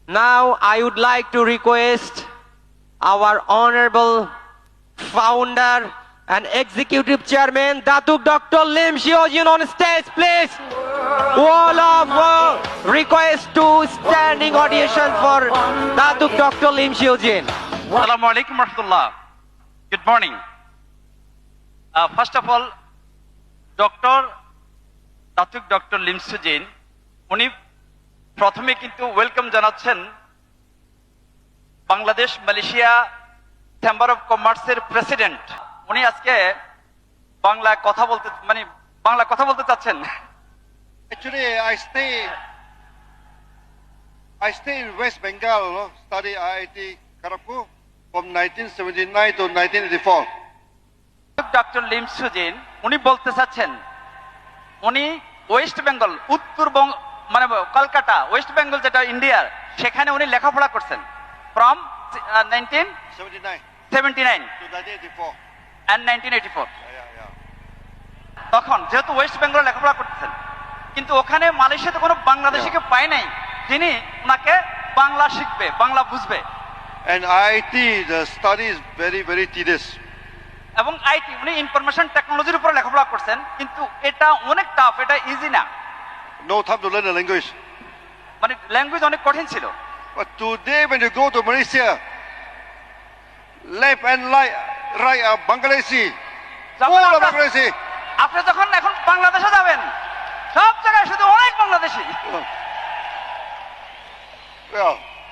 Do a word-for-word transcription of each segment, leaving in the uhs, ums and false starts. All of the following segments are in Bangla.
Now I would like to request our honorable founder and executive chairman Datuk Doctor Lim Xiaojin on stage, please. All of uh, request to standing audition for Datuk Doctor Lim Xiaojin. Assalamu alaikum warahmatullah. Good morning. Uh, first of all, Doctor Datuk Doctor Lim Xiaojin, উনি প্রথমে কিন্তু ওয়েলকাম জানাচ্ছেন বাংলাদেশ মালয়েশিয়া চেম্বার অফ কমার্সের প্রেসিডেন্ট। উনি আজকে বাংলা কথা বলতে মানে বাংলা কথা বলতে চাচ্ছেন। Actually, I stay, I stay in West Bengal, no? Study I I T Kharagpur from nineteen seventy-nine to nineteen eighty-four. Doctor Lim xiaojin উনি বলতে চাচ্ছেন উনি ওয়েস্ট বেঙ্গল উত্তরবঙ্গ মানে কলকাতা ওয়েস্ট বেঙ্গল যেটা ইন্ডিয়ার সেখানে উনি লেখাপড়া করছেন from nineteen seventy-nine seventy nine to nineteen eighty-four. And nineteen eighty four. Yeah, yeah, yeah. তখন যেহেতু ওয়েস্ট বেঙ্গল লেখাপড়া করতেছেন কিন্তু ওখানে মালয়েশিয়াতে কোনো বাংলাদেশিকে পায় নাই যিনি ওনাকে বাংলা শিখবে বাংলা বুঝবে। And I I T, the study is very, very tedious. এবং আইটি উনি ইনফরমেশন টেকনোলজির উপরে লেখাপড়া করছেন কিন্তু এটা অনেক টাফ, এটা ইজি না, No time to learn the language. মানে ল্যাঙ্গুয়েজ অনেক কঠিন ছিল। But today, when you go to Malaysia, left and right, right are Bangladeshi. যখন All are আপনার- Bangladeshi. আপনি যখন এখন বাংলাদেশে যাবেন সব জায়গায় শুধু অনেক Bangladeshi. Yeah.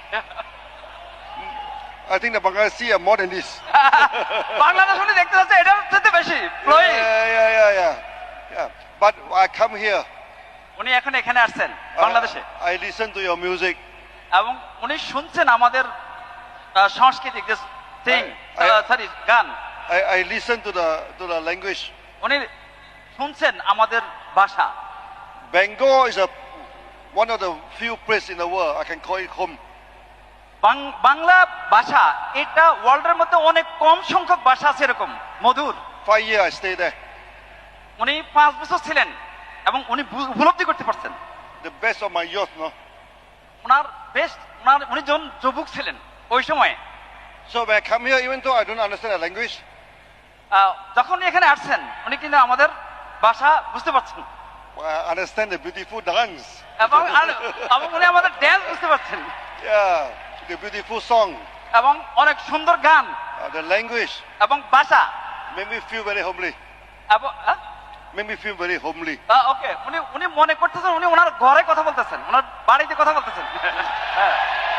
I think the Bangladeshi are more than this. Bangladesh উনি দেখতে যাচ্ছে এটার চেয়ে বেশি flowing। Yeah, yeah, yeah, yeah. Yeah. But I come here. উনি এখন এখানে আসছেন uh, বাংলাদেশে I listen to your music. এবং উনি শুনছেন আমাদের আহ, সাংস্কৃতিক যে সিং I- I- সরি গান, I, I listen to the to the language. উনি শুনছেন আমাদের ভাষা। Bengal is a one of the few places in the world I can call it home. বাং- বাংলা ভাষা এটা ওয়ার্ল্ডের মধ্যে অনেক কম সংখ্যক ভাষা আছে এরকম মধুর। Five years I stay there. উনি পাঁচ বছর ছিলেন এবং উনি বু- উপলব্ধি করতে পারছেন The best of my youth, no. ওনার বেস্ট ওনার উনি যখন যুবক ছিলেন ওই সময় So when I come here, even though I don't understand the language, আহ, যখন উনি এখানে আসছেন উনি কিন্তু আমাদের ভাষা বুঝতে পারছেন I understand the beautiful dance. এবং আর- এবং উনি আমাদের ড্যান্স বুঝতে পারছেন Yeah, the beautiful song, এবং অনেক সুন্দর গান uh, the language এবং ভাষা made me feel very homely. এবং আহ, Made me feel very homely. আহ, ওকে উনি উনি মনে করতেছেন উনি ওনার ঘরে কথা বলতেছেন ওনার বাড়িতে কথা বলতেছেন। হ্যাঁ।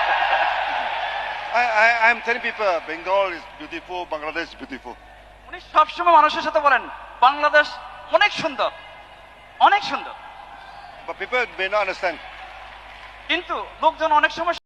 I, I, I'm telling people Bengal is beautiful, Bangladesh is beautiful. উনি সবসময় মানুষের সাথে বলেন বাংলাদেশ অনেক সুন্দর অনেক সুন্দর, But people may not understand. কিন্তু লোকজন অনেক সময়